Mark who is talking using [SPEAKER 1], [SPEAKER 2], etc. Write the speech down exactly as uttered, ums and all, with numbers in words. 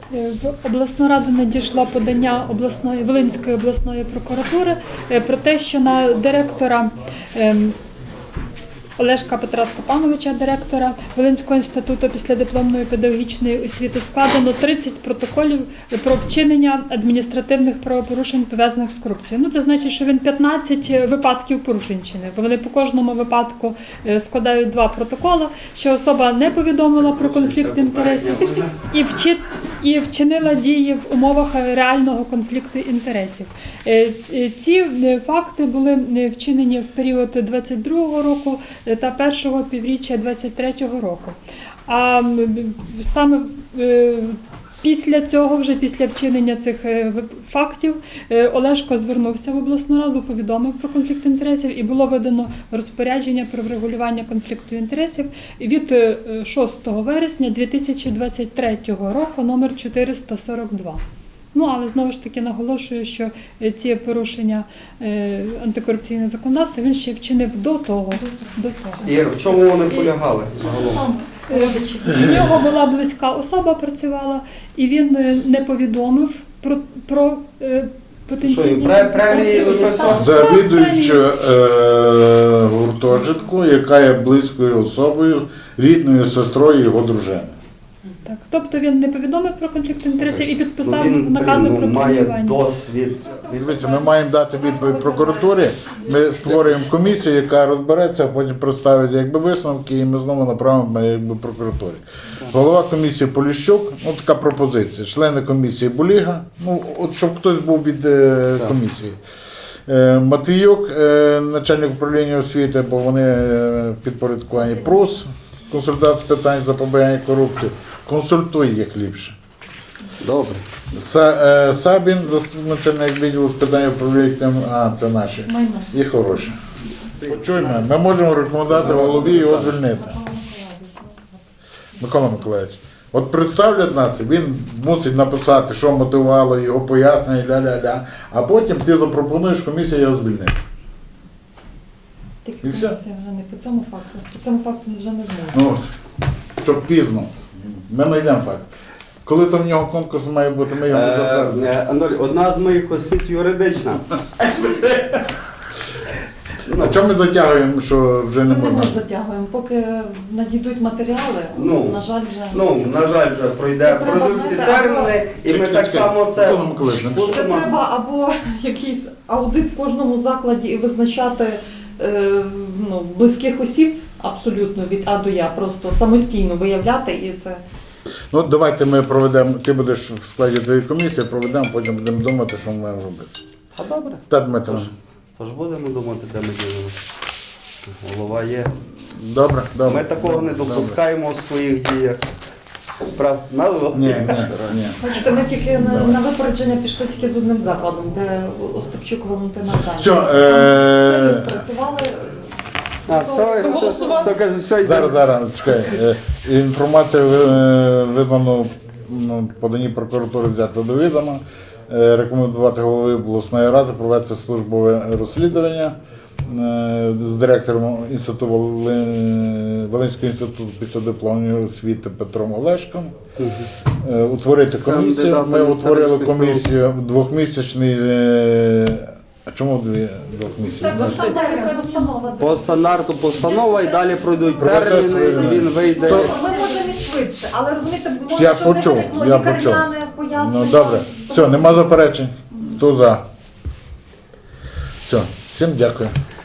[SPEAKER 1] В обласну раду надійшло подання обласної Волинської обласної прокуратури про те, що на директора Олешка Петра Степановича, директора Волинського інституту післядипломної педагогічної освіти, складено тридцять протоколів про вчинення адміністративних правопорушень, пов'язаних з корупцією. Ну, це значить, що він п'ятнадцять випадків порушень чинив, бо вони по кожному випадку складають два протоколи, що особа не повідомила про конфлікт інтересів і вчить і вчинила дії в умовах реального конфлікту інтересів. Ці факти були вчинені в період двадцять другого року та першого півріччя двадцять третього року. А саме після цього, вже після вчинення цих фактів, Олешко звернувся в обласну раду, повідомив про конфлікт інтересів і було видано розпорядження про врегулювання конфлікту інтересів від шостого вересня дві тисячі двадцять третього року, номер чотириста сорок два. Ну, але знову ж таки наголошую, що ці порушення е, антикорупційного законодавства він ще вчинив до того. До того.
[SPEAKER 2] І в чому вони полягали загалом?
[SPEAKER 1] В нього була близька особа, працювала, і він не повідомив про, про е, потенційні...
[SPEAKER 3] Завідуюча е, гуртожитку, яка є близькою особою, рідною сестрою його дружини.
[SPEAKER 1] Так, тобто він не повідомив про конфлікт інтересів і підписав
[SPEAKER 2] ну, він,
[SPEAKER 1] накази
[SPEAKER 2] ну,
[SPEAKER 1] про
[SPEAKER 2] має
[SPEAKER 1] преміювання.
[SPEAKER 2] досвід.
[SPEAKER 3] Дивіться, ми маємо дати відповідь прокуратурі, ми створюємо комісію, яка розбереться, а потім представить якби висновки, і ми знову направимо якби прокуратурі. Голова комісії Поліщук, ну така пропозиція, члени комісії Буліга, ну от щоб хтось був від е, комісії. Е, Матвіюк, е, начальник управління освіти, бо вони е, підпорядковані ПРУС, консультація з питань запобігання корупції. Консультуй їх ліпше.
[SPEAKER 2] Добре.
[SPEAKER 3] Са, е, Сабін, заступник начальник відділу з питань управління, а це наші. І хороші. Почуємо, ми можемо рекомендувати голові його звільнити. Микола Миколаївич, от представлять нас, він мусить написати, що мотивувало його пояснення, ля-ля-ля, а потім ти запропонуєш, комісія його звільнити.
[SPEAKER 4] Тільки комісія вже не по цьому факту. По цьому факту вже не зможе.
[SPEAKER 3] Ну, щоб пізно. Ми знайдемо факт. Коли там в нього конкурс має бути, ми його затвердимо.
[SPEAKER 2] Е, Анатолій, одна з моїх освіт юридична.
[SPEAKER 3] А чому ми затягуємо, що вже не
[SPEAKER 4] Це не ми
[SPEAKER 3] можна?
[SPEAKER 4] затягуємо. Поки надійдуть матеріали,
[SPEAKER 2] Ну,
[SPEAKER 4] на жаль, вже...
[SPEAKER 2] Ну, на жаль, вже пройде,
[SPEAKER 4] Це
[SPEAKER 2] пройдуть всі
[SPEAKER 4] треба
[SPEAKER 2] терміни, і ми
[SPEAKER 3] Чекай,
[SPEAKER 2] так
[SPEAKER 3] чекай.
[SPEAKER 2] само це
[SPEAKER 3] Микола Миколаївич,
[SPEAKER 4] Це
[SPEAKER 2] пустимо.
[SPEAKER 4] треба або якийсь аудит в кожному закладі і визначати е, ну, близьких осіб абсолютно від А до Я, просто самостійно виявляти і це...
[SPEAKER 3] Ну, давайте ми проведемо, ти будеш в складі цієї комісії, проведемо, потім будемо думати, що ми маємо робити.
[SPEAKER 2] А добре.
[SPEAKER 3] Та, Дмитро.
[SPEAKER 2] Тож будемо думати, де ми ділимо. Голова є.
[SPEAKER 3] Добре, добре.
[SPEAKER 2] Ми такого не
[SPEAKER 3] Добре.
[SPEAKER 2] допускаємо у своїх діях. Прав, назва?
[SPEAKER 3] Ні, ні, ні.
[SPEAKER 4] Бачите, ми тільки на, на випередження пішли тільки з одним закладом, де Остапчук Валентина Аркадівна.
[SPEAKER 3] Все,
[SPEAKER 4] Самі
[SPEAKER 3] е...
[SPEAKER 4] спрацювали.
[SPEAKER 2] А, все, все, все, все, все йде.
[SPEAKER 3] зараз, зараз, чекай. Е, Інформація е, визнано ну, подані прокуратури взято до відома. Е, Рекомендувати голови обласної ради провести службове розслідування е, з директором інституту Волин- Волинського інституту післядипломної освіти Петром Олешком. Е, Утворити комісію.
[SPEAKER 2] Кандидатом
[SPEAKER 3] Ми утворили
[SPEAKER 2] історичних
[SPEAKER 3] комісію двохмісячний. е, А чому дві двохмісячний?
[SPEAKER 4] Постанова.
[SPEAKER 2] По стандарту постанова і далі пройдуть
[SPEAKER 3] Процес,
[SPEAKER 2] терміни, і він вийде.
[SPEAKER 3] То-
[SPEAKER 4] Ми можемо і швидше, але розумієте, може,
[SPEAKER 3] Я
[SPEAKER 4] щоб
[SPEAKER 3] почув,
[SPEAKER 4] не виникло
[SPEAKER 3] я почув.
[SPEAKER 4] лікарняне пояснення.
[SPEAKER 3] Ну добре. Все, нема заперечень. Хто за? Все, всім дякую.